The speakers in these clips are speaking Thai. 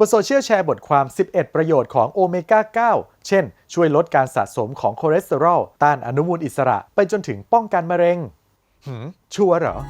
บนโซเชียลแชร์บทความ 11 ประโยชน์ของโอเมก้า 9 เช่น ช่วยลดการสะสมของคอเลสเตอรอล ต้านอนุมูลอิสระ ไปจนถึงป้องกันมะเร็งชัวร์เหรอ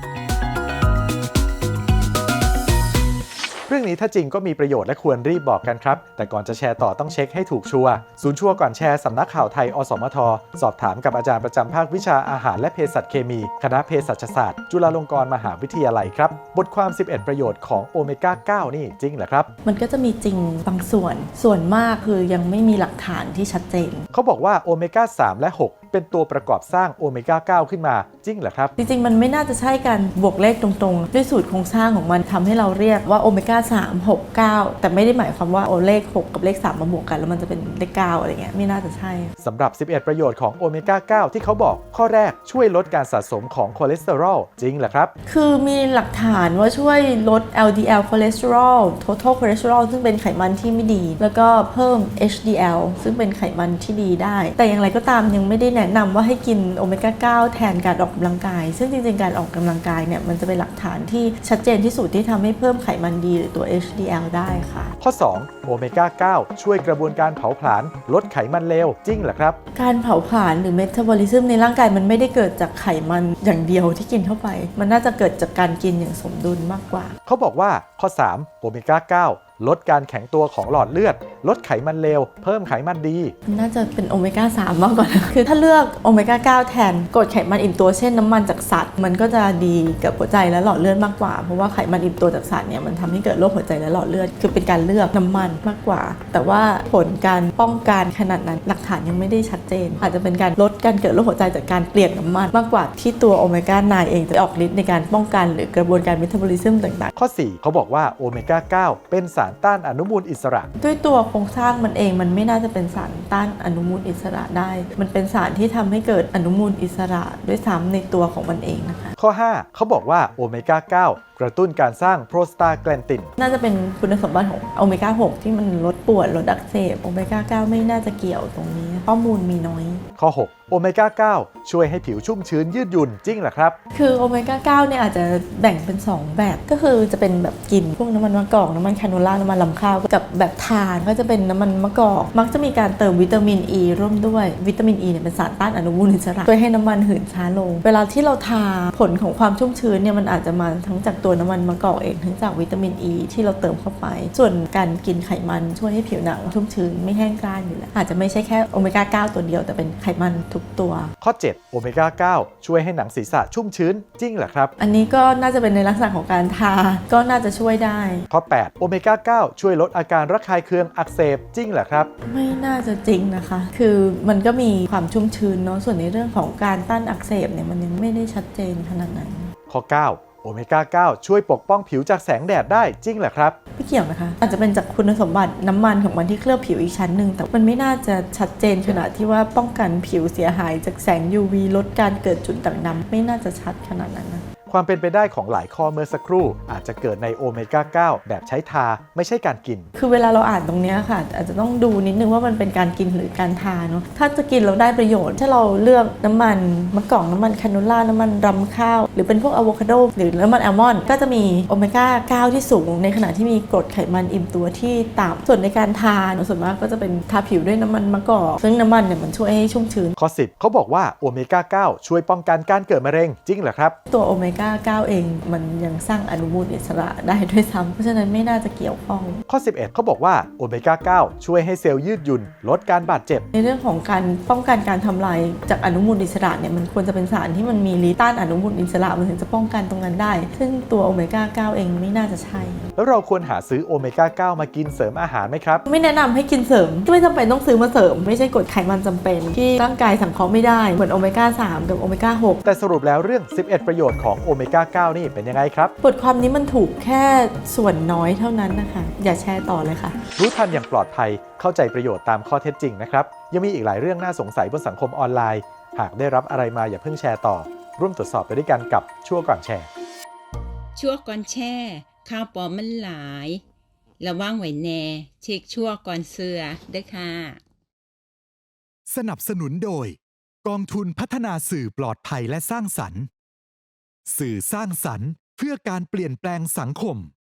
เรื่องนี้ถ้าจริงก็มีประโยชน์และควรรีบบอกกันครับ แต่ก่อนจะแชร์ต่อต้องเช็คให้ถูกชัวร์ศูนย์ชัวร์ก่อนแชร์สำนักข่าวไทยอสมทสอบถามกับอาจารย์ประจำภาควิชาอาหารและเภสัชเคมีคณะเภสัชศาสตร์จุฬาลงกรณ์มหาวิทยาลัยครับบทความ 11 ประโยชน์ของโอเมก้า 9 นี่จริงเหรอครับมันก็จะมีจริงบางส่วนมากคือยังไม่มีหลักฐานที่ชัดเจนเขาบอกว่าโอเมก้า 3 และ 6เป็นตัวประกอบสร้างโอเมก้า 9 ขึ้นมาจริงเหรอครับจริงๆมันไม่น่าจะใช่การบวกเลขตรงๆด้วยสูตรโครงสร้างของมันทำให้เราเรียกว่าโอเมก้า 3 6 9 แต่ไม่ได้หมายความว่าเลข 6 กับเลข 3 มาบวกกันแล้วมันจะเป็นเลข 9 อะไรเงี้ยไม่น่าจะใช่สำหรับ 11 ประโยชน์ของโอเมก้า 9 ที่เขาบอกข้อแรกช่วยลดการสะสมของคอเลสเตอรอลจริงเหรอครับคือมีหลักฐานว่าช่วยลด LDL คอเลสเตอรอล total คอเลสเตอรอลซึ่งเป็นไขมันที่ไม่ดีแล้วก็เพิ่ม HDL ซึ่งเป็นไขมันที่ดีได้แต่อย่างไรก็ตามยังไม่ได้แนะนำว่าให้กินโอเมก้า 9 แทนการออกกำลังกายซึ่งจริงๆการออกกำลังกายเนี่ยมันจะเป็นหลักฐานที่ชัดเจนที่สุดที่ทำให้เพิ่มไขมันดีหรือตัว HDL ได้ค่ะข้อ 2 โอเมก้า 9 ช่วยกระบวนการเผาผลาญลดไขมันเลวจริงเหรอครับการเผาผลาญหรือเมตาบอลิซึมในร่างกายมันไม่ได้เกิดจากไขมันอย่างเดียวที่กินเข้าไปมันน่าจะเกิดจากการกินอย่างสมดุลมากกว่าเขาบอกว่าข้อ 3 โอเมก้า 9ลดการแข็งตัวของหลอดเลือดลดไขมันเลวเพิ่มไขมันดีน่าจะเป็นโอเมก้า 3 มากกว่านะคือถ้าเลือกโอเมก้า 9 แทนกรดไขมันอิ่มตัวเช่นน้ำมันจากสัตว์มันก็จะดีกับหัวใจและหลอดเลือดมากกว่าเพราะว่าไขมันอิ่มตัวจากสัตว์เนี่ยมันทำให้เกิดโรคหัวใจและหลอดเลือดคือเป็นการเลือกน้ำมันมากกว่าแต่ว่าผลการป้องกันขนาดนั้นหลักฐานยังไม่ได้ชัดเจนอาจจะเป็นการลดการเกิดโรคหัวใจจากการเปลี่ยนน้ำมันมากกว่าที่ตัวโอเมก้า 9 เองจะออกฤทธิ์ในการป้องกันหรือกระบวนการเมตาบอลิซึมต่างๆข้อ 4 เขาบอกว่าโอเมก้า 9 เป็นสารต้านอนุมูลอิสระด้วยตัวโครงสร้างมันเองมันไม่น่าจะเป็นสารต้านอนุมูลอิสระได้มันเป็นสารที่ทำให้เกิดอนุมูลอิสระด้วยซ้ำในตัวของมันเองนะคะข้อ 5 เขาบอกว่าโอเมก้า 9กระตุ้นการสร้างโปรสตาแกลนตินน่าจะเป็นคุณสมบัติของโอเมก้า 6 ที่มันลดปวดลดอักเสบโอเมก้า 9 ไม่น่าจะเกี่ยวตรงนี้ข้อมูลมีน้อยข้อ 6 โอเมก้า 9 ช่วยให้ผิวชุ่มชื้นยืดหยุ่นจริงเหรอครับคือโอเมก้า 9 เนี่ยอาจจะแบ่งเป็น 2 แบบก็คือจะเป็นแบบกินพวกน้ำมันมะกอกน้ำมันแคโนล่าน้ำมันลำข้าวกับแบบทานก็จะเป็นน้ำมันมะกอกมักจะมีการเติมวิตามินอ e ีร่วมด้วยวิตามินอ e ีเนี่ยเป็นสารต้านอนุมูลอิสระช่วยให้น้ำมันหืนช้าลงเวลาที่เราทาผลของความชุ่มชื้นเนี่ยมันอาจจะมาทั้งจากตัวน้ำมันมะกอกเองทั้งจากวิตามินอ e ีที่เราเติมเข้าไปส่วนการกินไขมันช่วยให้ผิวหนังชุ่มชื้นไม่แห้งกร้านอยู่แล้วอาจจะไม่ใช่แค่โอเมก้า 9 ตัวเดียวแต่เป็นไขมันทุกตัวข้อ 7 โอเมก้า 9 ช่วยให้หนังศีรษะชุ่มชื้นจริงเหรอครับอันนี้ก็น่าจะเป็นในลักษณะของการทาก็น่าจะช่วยได้ข้อ 8 โอเมก้า 9 ช่วยลดอาการระคายเคืองอักเสบจริงเหรอครับไม่น่าจะจริงนะคะคือมันก็มีความชุ่มชื้นเนาะส่วนในเรื่องของการต้านอักเสบเนี่ยมันยังไม่ได้ชัดเจนขนาดนั้นข้อ 9โอเมก้า 9 ช่วยปกป้องผิวจากแสงแดดได้จริงเหรอครับไม่เกี่ยวนะคะอาจจะเป็นจากคุณสมบัติน้ำมันของมันที่เคลือบผิวอีกชั้นหนึ่งแต่มันไม่น่าจะชัดเจนขนาดที่ว่าป้องกันผิวเสียหายจากแสง UV ลดการเกิดจุดด่างดำไม่น่าจะชัดขนาดนั้นนะความเป็นไปได้ของหลายข้อเมื่อสักครู่อาจจะเกิดในโอเมก้า 9 แบบใช้ทาไม่ใช่การกินคือเวลาเราอ่านตรงนี้ค่ะอาจจะต้องดูนิดนึงว่ามันเป็นการกินหรือการทาเนาะถ้าจะกินเราได้ประโยชน์ถ้าเราเลือกน้ำมันมะกอกน้ำมันแคโนล่าน้ำมันรำข้าวหรือเป็นพวกอะโวคาโดหรือน้ำมันอัลมอนด์ก็จะมีโอเมก้า 9 ที่สูงในขณะที่มีกรดไขมันอิ่มตัวที่ต่ำส่วนในการทาส่วนมากก็จะเป็นทาผิวด้วยน้ำมันมะกอกซึ่งน้ำมันเนี่ยมันช่วยให้ชุ่มชื้นข้อ 10 เขาบอกว่าโอเมก้า 9 ช่วยป้องกันการเกิดมะเร็งจริงเหรอครับตัวโอเมก้า 9 เองมันยังสร้างอนุมูลอิสระได้ด้วยซ้ำเพราะฉะนั้นไม่น่าจะเกี่ยวข้องข้อ 11 เขาบอกว่าโอเมก้า 9 ช่วยให้เซลล์ยืดหยุ่นลดการบาดเจ็บในเรื่องของการป้องกันการทำลายจากอนุมูลอิสระเนี่ยมันควรจะเป็นสารที่มันมีฤทธิ์ต้านอนุมูลอิสระมันถึงจะป้องกันตรงนั้นได้ซึ่งตัวโอเมก้า 9 เองไม่น่าจะใช่แล้วเราควรหาซื้อโอเมก้า 9 มากินเสริมอาหารไหมครับไม่แนะนำให้กินเสริมไม่จำเป็นต้องซื้อมาเสริมไม่ใช่กรดไขมันจำเป็นที่ร่างกายสังเคราะห์ไม่ได้เหมือนโอเมก้า 3 กับโอเมก้า 6 แต่สรุปแล้วเรื่อง 11 ประโยชน์ของโอเมก้า 9 นี่เป็นยังไงครับบทความนี้มันถูกแค่ส่วนน้อยเท่านั้นนะคะอย่าแชร์ต่อเลยค่ะรู้ทันอย่างปลอดภัยเข้าใจประโยชน์ตามข้อเท็จจริงนะครับยังมีอีกหลายเรื่องน่าสงสัยบนสังคมออนไลน์หากได้รับอะไรมาอย่าเพิ่งแชร์ต่อร่วมตรวจสอบไปด้วยกันกับชั่วก่อนแชร์ชั่วก่อนแชร์ข่าวปลอมมันหลายระวังไว้แน่เช็คชั่วก่อนเสือเด้อค่ะสนับสนุนโดยกองทุนพัฒนาสื่อปลอดภัยและสร้างสรรค์สื่อสร้างสรรค์เพื่อการเปลี่ยนแปลงสังคม